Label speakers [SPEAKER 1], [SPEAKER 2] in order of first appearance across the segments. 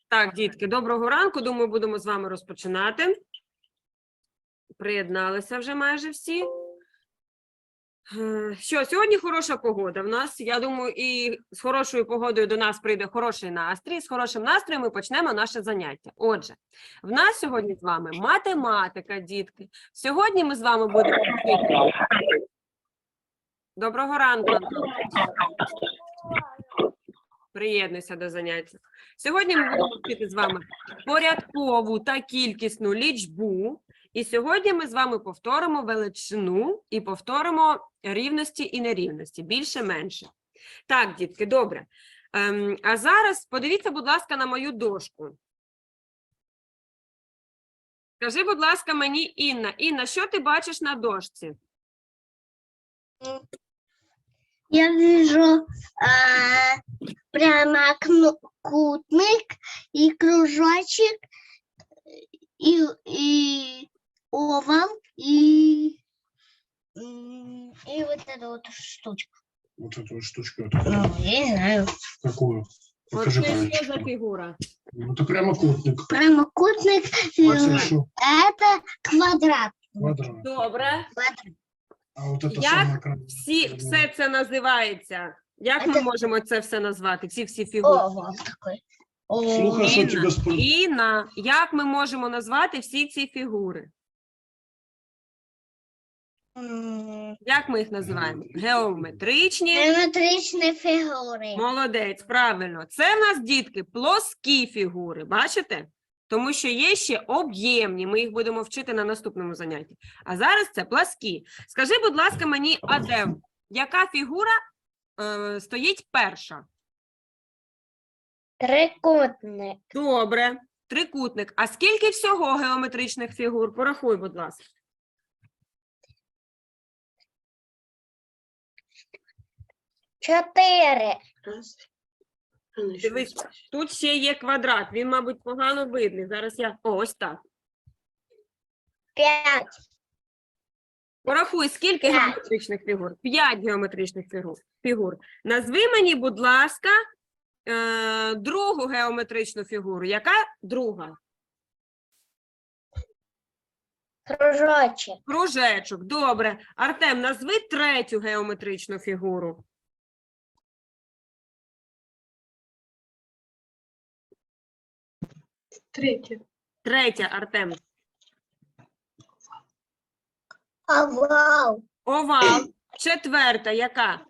[SPEAKER 1] Так, дітки, доброго ранку. Думаю, будемо з вами розпочинати. Приєдналися вже майже всі. Що, сьогодні хороша погода в нас. Я думаю, і з хорошою погодою до нас прийде хороший настрій. З хорошим настроєм ми почнемо наше заняття. Отже, в нас сьогодні з вами математика, дітки. Сьогодні ми з вами будемо вчити. Доброго ранку, Антон. Приєднуйся до заняття. Сьогодні ми будемо вчити з вами порядкову та кількісну лічбу. І сьогодні ми з вами повторимо величину і повторимо рівності і нерівності, більше-менше. Так, дітки, добре. А зараз подивіться, будь ласка, на мою дошку. Скажи, будь ласка, мені, Інна. Інна, що ти бачиш на дошці?
[SPEAKER 2] Я вижу прямокутник и кружочек, и овал, и вот эта вот штучка.
[SPEAKER 3] Вот эту вот штучку.
[SPEAKER 2] Ну, я не знаю.
[SPEAKER 3] Какую?
[SPEAKER 1] От
[SPEAKER 3] Покажи
[SPEAKER 1] це що за
[SPEAKER 3] пальчиком.
[SPEAKER 1] фігура?
[SPEAKER 3] Ну, это прямокутник.
[SPEAKER 2] Прямокутник
[SPEAKER 3] Хорошо.
[SPEAKER 2] это квадрат.
[SPEAKER 3] Квадрат.
[SPEAKER 1] Добре.
[SPEAKER 3] А вот это
[SPEAKER 1] Як
[SPEAKER 3] самое
[SPEAKER 1] все це називається? Як ми
[SPEAKER 2] Це-
[SPEAKER 1] можемо це все назвати, ці всі фігури?
[SPEAKER 2] Овал такой.
[SPEAKER 3] Слухай, що
[SPEAKER 1] Інна,
[SPEAKER 3] тебе спро...
[SPEAKER 1] Інна, як ми можемо назвати всі ці фігури? Як ми їх називаємо? Геометричні.
[SPEAKER 2] Геометричні фігури.
[SPEAKER 1] Молодець, правильно. Це в нас, дітки, плоскі фігури, бачите? Тому що є ще об'ємні, ми їх будемо вчити на наступному занятті. А зараз це пласкі. Скажи, будь ласка, мені, Адем, яка фігура стоїть перша?
[SPEAKER 2] Трикутник.
[SPEAKER 1] Добре, трикутник. А скільки всього геометричних фігур? Порахуй, будь ласка.
[SPEAKER 2] Чотири.
[SPEAKER 1] Дивись, тут ще є квадрат, він, мабуть, погано видний. Зараз я... О, ось так.
[SPEAKER 2] П'ять.
[SPEAKER 1] Порахуй, скільки
[SPEAKER 2] П'ять.
[SPEAKER 1] геометричних фігур? 5 геометричних фігур. Назви мені, будь ласка, другу геометричну фігуру. Яка друга?
[SPEAKER 2] Кружочек.
[SPEAKER 1] Кружечок. Добре. Артем, назви третю геометричну фігуру. Третя, Артем.
[SPEAKER 2] Овал.
[SPEAKER 1] Овал. Четверта, яка?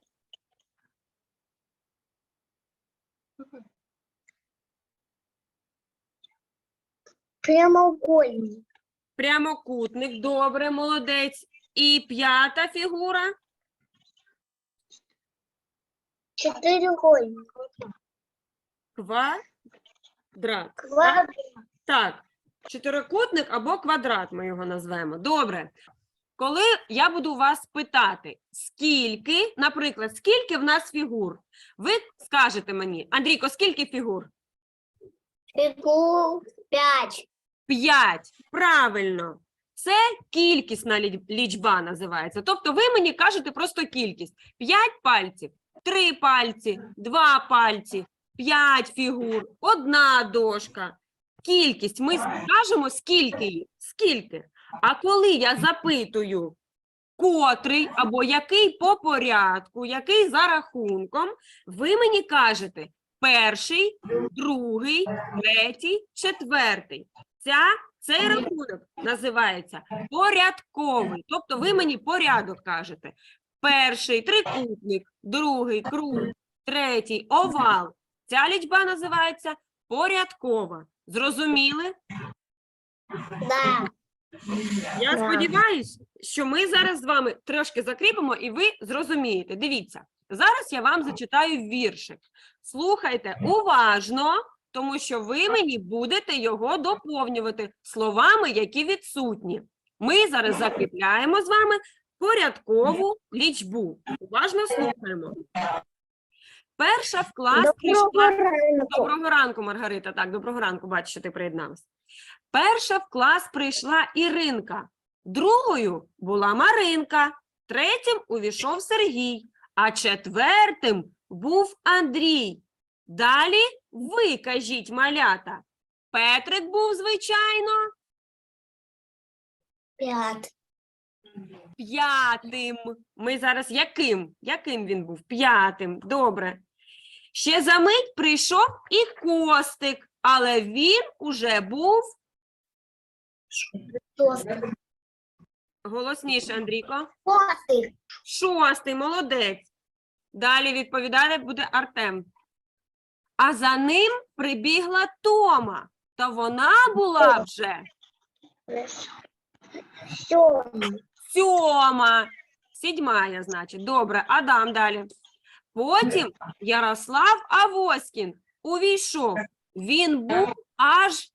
[SPEAKER 2] Прямоугольник.
[SPEAKER 1] Прямокутник. Добре, молодець. І п'ята фігура?
[SPEAKER 2] Чотиригольник.
[SPEAKER 1] Квадрат.
[SPEAKER 2] Квадрат.
[SPEAKER 1] Так, чотирикутник або квадрат ми його назвемо. Добре. Коли я буду вас питати, скільки, наприклад, скільки в нас фігур, ви скажете мені, Андрійко, скільки фігур?
[SPEAKER 2] Фигур. П'ять.
[SPEAKER 1] 5. Правильно. Це кількісна лічба називається. Тобто ви мені кажете просто кількість. 5 пальців, 3 пальці, 2 пальці, 5 фігур, 1 дошка. Кількість. Ми скажемо, скільки їх. Скільки. А коли я запитую, котрий або який по порядку, який за рахунком, ви мені кажете перший, другий, третій, четвертий. Цей рахунок називається порядковий. Тобто ви мені порядок кажете. Перший трикутник, другий круг, третій овал. Ця лічба називається порядкова. Зрозуміли?
[SPEAKER 2] Да.
[SPEAKER 1] Я
[SPEAKER 2] Да.
[SPEAKER 1] сподіваюся, що ми зараз з вами трошки закріпимо і ви зрозумієте. Дивіться, зараз я вам зачитаю віршик. Слухайте уважно, тому що ви мені будете його доповнювати словами, які відсутні. Ми зараз закріпляємо з вами порядкову лічбу. Уважно слухаємо. Перша в клас прийшла... Доброго ранку, Маргарита. Так, доброго ранку, бачу, що ти приєдналась. Перша в клас прийшла Іринка, другою була Маринка, третім увійшов Сергій, а четвертим був Андрій. Далі ви кажіть, малята, Петрик був, звичайно,
[SPEAKER 2] 5.
[SPEAKER 1] 5. Ми зараз яким? Яким він був? 5. Добре. Ще за мить прийшов і Костик, але він уже був
[SPEAKER 2] 6.
[SPEAKER 1] голосніше, Андрійко.
[SPEAKER 2] 6.
[SPEAKER 1] 6. Молодець. Далі відповідати буде Артем. А за ним прибігла Тома, та вона була вже
[SPEAKER 2] 7.
[SPEAKER 1] 7. 7, значить. Добре, Адам далі. Потім Ярослав Авоськін увійшов. Він був аж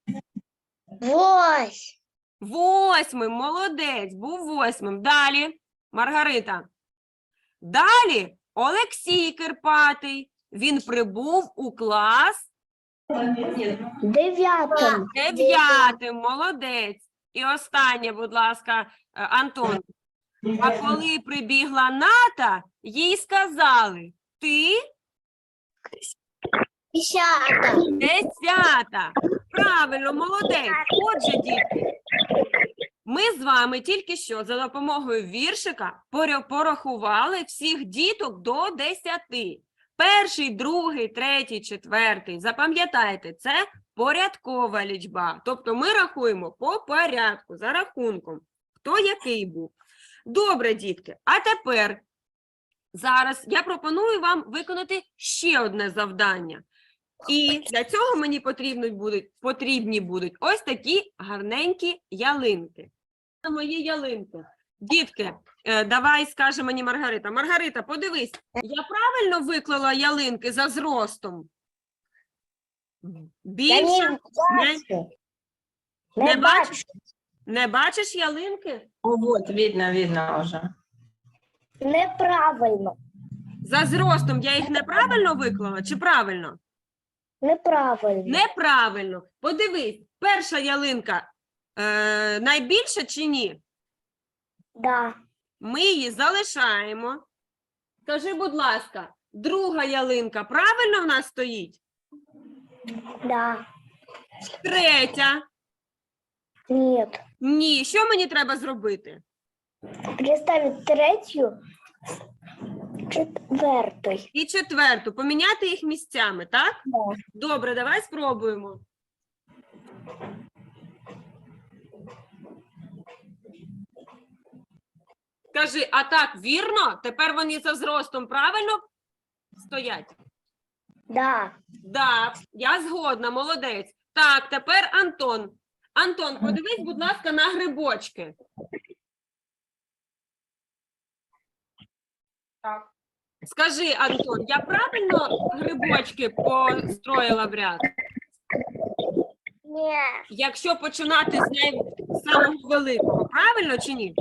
[SPEAKER 2] 8.
[SPEAKER 1] 8. Молодець, був 8. Далі, Маргарита. Далі Олексій Кирпатий. Він прибув у клас
[SPEAKER 2] 9.
[SPEAKER 1] 9. Молодець. І останнє, будь ласка, Антон. А коли прибігла Ната, їй сказали: ти
[SPEAKER 2] 10.
[SPEAKER 1] 10. Правильно, молодець. Отже, дітки, ми з вами тільки що за допомогою віршика порахували всіх діток до 10. Перший, другий, третій, четвертий. Запам'ятайте, це порядкова лічба. Тобто ми рахуємо по порядку, за рахунком, хто який був. Добре, дітки. А тепер, зараз я пропоную вам виконати ще одне завдання. І для цього мені потрібні будуть ось такі гарненькі ялинки. Мої ялинки. Дітки, давай скаже мені Маргарита. Маргарита, подивись, я правильно виклала ялинки за зростом? Більше? Не бачиш? Не бачиш ялинки?
[SPEAKER 4] О, вот, видно уже.
[SPEAKER 2] Неправильно.
[SPEAKER 1] За зростом я їх неправильно виклала чи правильно?
[SPEAKER 2] Неправильно.
[SPEAKER 1] Неправильно. Подивись, перша ялинка найбільша чи ні?
[SPEAKER 2] Да.
[SPEAKER 1] Ми її залишаємо. Скажи, будь ласка, друга ялинка правильно в нас стоїть?
[SPEAKER 2] Да.
[SPEAKER 1] Третя?
[SPEAKER 2] Нет.
[SPEAKER 1] Ні. Що мені треба зробити?
[SPEAKER 2] Переставить 3, 4.
[SPEAKER 1] І четверту. Поміняти їх місцями, так?
[SPEAKER 2] Да.
[SPEAKER 1] Добре, давай спробуємо. Скажи, а так, вірно? Тепер вони за зростом правильно стоять?
[SPEAKER 2] Да.
[SPEAKER 1] Да, я згодна, молодець. Так, тепер Антон. Антон, подивись, будь ласка, на грибочки.
[SPEAKER 4] Так.
[SPEAKER 1] Скажи, Антон, я правильно грибочки построїла в ряд?
[SPEAKER 2] Нет.
[SPEAKER 1] Якщо починати з самого великого, правильно чи ні?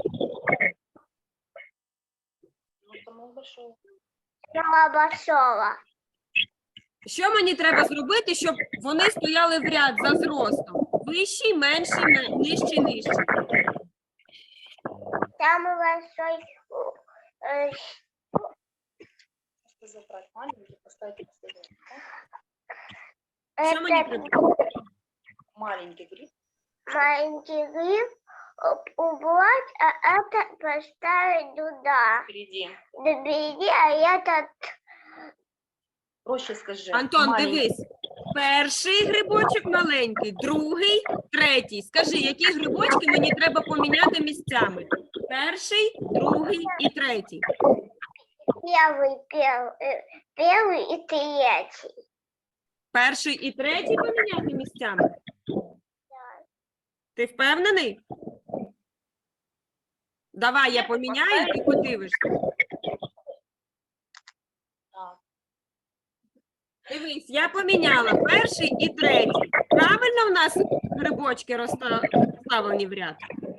[SPEAKER 2] Самого большого.
[SPEAKER 1] Що мені треба зробити, щоб вони стояли в ряд за зростом? Вищий, менший, нижчий, нижчий.
[SPEAKER 2] Самый большой.
[SPEAKER 4] Забрать маленький, поставить последний.
[SPEAKER 1] Що мені
[SPEAKER 2] Это
[SPEAKER 1] треба?
[SPEAKER 4] Маленький гриб.
[SPEAKER 2] маленький гриб убрать, а это поставить туда.
[SPEAKER 4] Впереди.
[SPEAKER 2] Добери, а этот
[SPEAKER 4] Проще скажи.
[SPEAKER 1] Антон,
[SPEAKER 4] маленький.
[SPEAKER 1] дивись. Перший грибочок маленький, другий, третій. Скажи, які грибочки мені треба поміняти місцями? Перший, другий і третій.
[SPEAKER 2] первый и третий.
[SPEAKER 1] Перший і третій поміняти місцями? Ти впевнений? Давай я поміняю, ти подивишся.
[SPEAKER 4] Так.
[SPEAKER 1] Дивись, я поміняла перший і третій. Правильно в нас грибочки розставлені в ряд?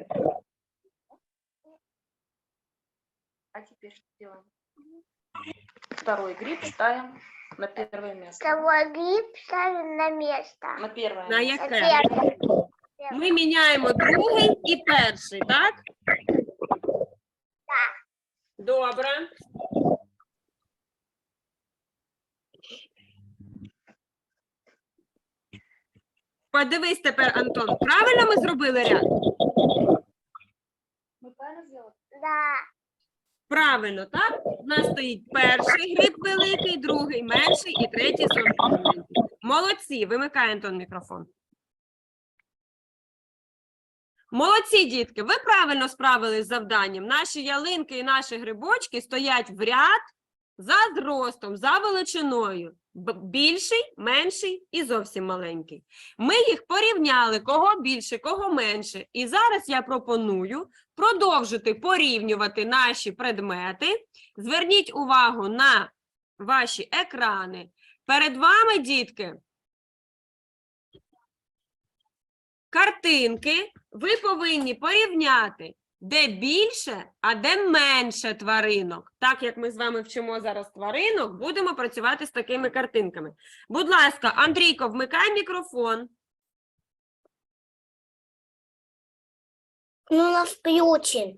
[SPEAKER 4] А теперь что делаем? Второй гриб ставим на первое место.
[SPEAKER 2] Второй гриб ставим на место.
[SPEAKER 4] На первое
[SPEAKER 1] На
[SPEAKER 4] место.
[SPEAKER 1] яке?
[SPEAKER 2] Первый.
[SPEAKER 1] Ми міняємо другий і перший, так?
[SPEAKER 2] Так.
[SPEAKER 1] Добре. Подивись тепер, Антон, правильно ми зробили ряд?
[SPEAKER 4] Мы правильно сделали?
[SPEAKER 2] Да.
[SPEAKER 1] Правильно, так? У нас стоїть перший гриб великий, другий менший і третій зовсім маленький. Молодці, вимикай, Антон, мікрофон. Молодці, дітки, ви правильно справились з завданням. Наші ялинки і наші грибочки стоять в ряд за зростом, за величиною. Більший, менший і зовсім маленький. Ми їх порівняли, кого більше, кого менше. І зараз я пропоную продовжити порівнювати наші предмети. Зверніть увагу на ваші екрани. Перед вами, дітки, картинки. Ви повинні порівняти, де більше, а де менше тваринок. Так як ми з вами вчимо зараз тваринок, будемо працювати з такими картинками. Будь ласка, Андрійко, вмикай мікрофон.
[SPEAKER 2] Ну, нас включен.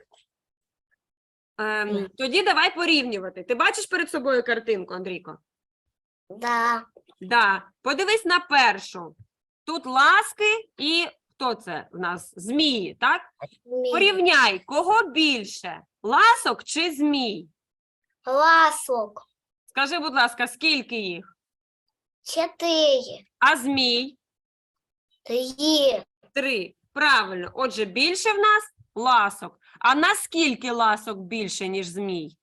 [SPEAKER 1] Тоді давай порівнювати. Ти бачиш перед собою картинку, Андрійко?
[SPEAKER 2] Да.
[SPEAKER 1] Да. Подивись на першу. Тут ласки і хто це в нас? Змії, так? Порівняй, кого більше? Ласок чи змій?
[SPEAKER 2] Ласок.
[SPEAKER 1] Скажи, будь ласка, скільки їх?
[SPEAKER 2] 4.
[SPEAKER 1] А змій?
[SPEAKER 2] 3.
[SPEAKER 1] 3. Правильно. Отже, більше в нас ласок. А наскільки ласок більше, ніж змій?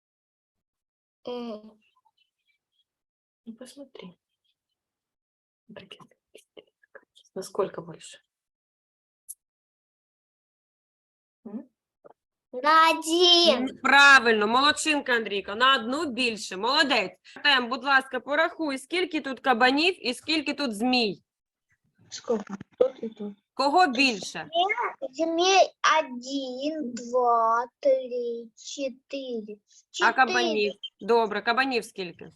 [SPEAKER 4] Ну, посмотри. Насколько больше?
[SPEAKER 2] На 1.
[SPEAKER 1] Правильно, молодчинка, Андрійка. На одну більше. Молодець. Артем, будь ласка, порахуй, скільки тут кабанів і скільки тут змій.
[SPEAKER 4] Сколько? Тут и тут.
[SPEAKER 1] Кого більше?
[SPEAKER 2] Змей 1, 2, 3, 4.
[SPEAKER 1] А кабанів? Добре, кабанів скільки?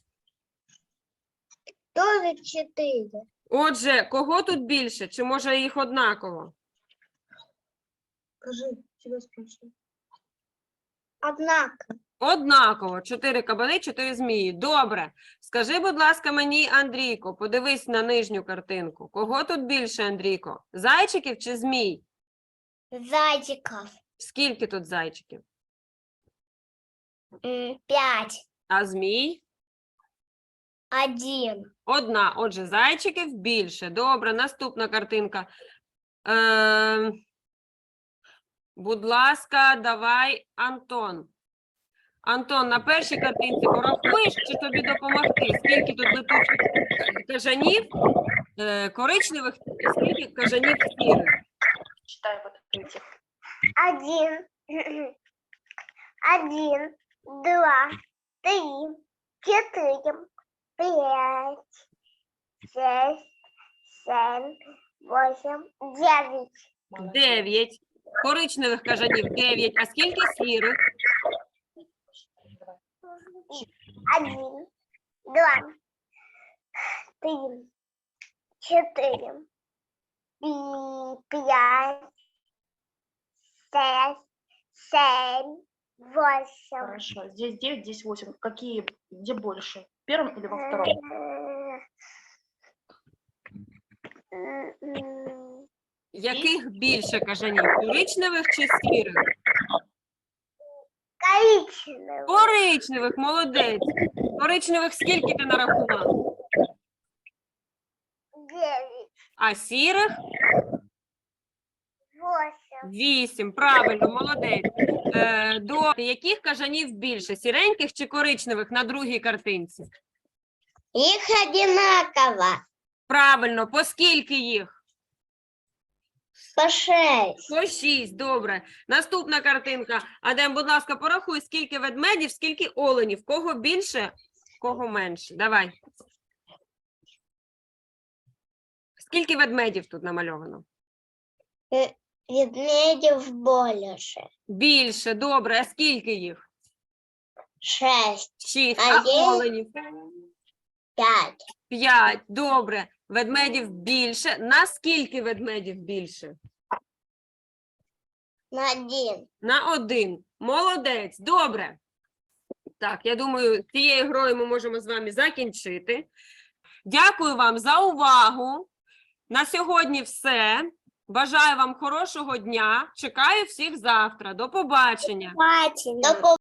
[SPEAKER 2] Тоже 4.
[SPEAKER 1] Отже, кого тут більше? Чи може їх однаково?
[SPEAKER 4] Скажи, тебя спрашиваю.
[SPEAKER 2] Однако.
[SPEAKER 1] Однаково. 4 кабани, 4 змії. Добре. Скажи, будь ласка, мені, Андрійко, подивись на нижню картинку. Кого тут більше, Андрійко? Зайчиків чи змій?
[SPEAKER 2] Зайчиков.
[SPEAKER 1] Скільки тут зайчиків?
[SPEAKER 2] 5.
[SPEAKER 1] А змій?
[SPEAKER 2] 1.
[SPEAKER 1] Одна. Отже, зайчиків більше. Добре, наступна картинка. Будь ласка, давай, Антон. Антон, на першій картинці порахуєш, чи тобі допомогти? Скільки тут летучих кажанів коричневих і скільки кажанів сірих?
[SPEAKER 4] Читай вот эти.
[SPEAKER 2] 1. 1, 2, 3, 4, 5, 6, 7, 8, 9.
[SPEAKER 1] 9. Коричневих кажанів 9. А скільки сірих?
[SPEAKER 2] 1, 2, 3, 4, 5, 6, 7, 8.
[SPEAKER 4] Хорошо. Здесь 9, здесь 8. Какие, где больше? В первом или во втором?
[SPEAKER 1] Яких більше кажанів? Коричневих чи сірих?
[SPEAKER 2] Коричневый.
[SPEAKER 1] Коричневих, молодець. Коричневих скільки ти нарахував?
[SPEAKER 2] 9,
[SPEAKER 1] А сірих?
[SPEAKER 2] 8.
[SPEAKER 1] 8. Правильно, молодець. До яких кажанів більше? Сіреньких чи коричневих на другій картинці?
[SPEAKER 2] Их одинаково.
[SPEAKER 1] Правильно, по скільки їх?
[SPEAKER 2] По 6.
[SPEAKER 1] По 6, добре. Наступна картинка. Адем, будь ласка, порахуй, скільки ведмедів, скільки оленів. Кого більше, кого менше. Давай. Скільки ведмедів тут намальовано?
[SPEAKER 2] Ведмедев больше.
[SPEAKER 1] Більше, добре. А скільки їх?
[SPEAKER 2] 6.
[SPEAKER 1] 6.
[SPEAKER 2] А
[SPEAKER 1] А
[SPEAKER 2] є?
[SPEAKER 1] оленів?
[SPEAKER 2] 5.
[SPEAKER 1] 5. Добре. Ведмедів більше. На скільки ведмедів більше?
[SPEAKER 2] На 1.
[SPEAKER 1] На 1. Молодець. Добре. Так, я думаю, цією грою ми можемо з вами закінчити. Дякую вам за увагу. На сьогодні все. Бажаю вам хорошого дня. Чекаю всіх завтра. До побачення.
[SPEAKER 2] До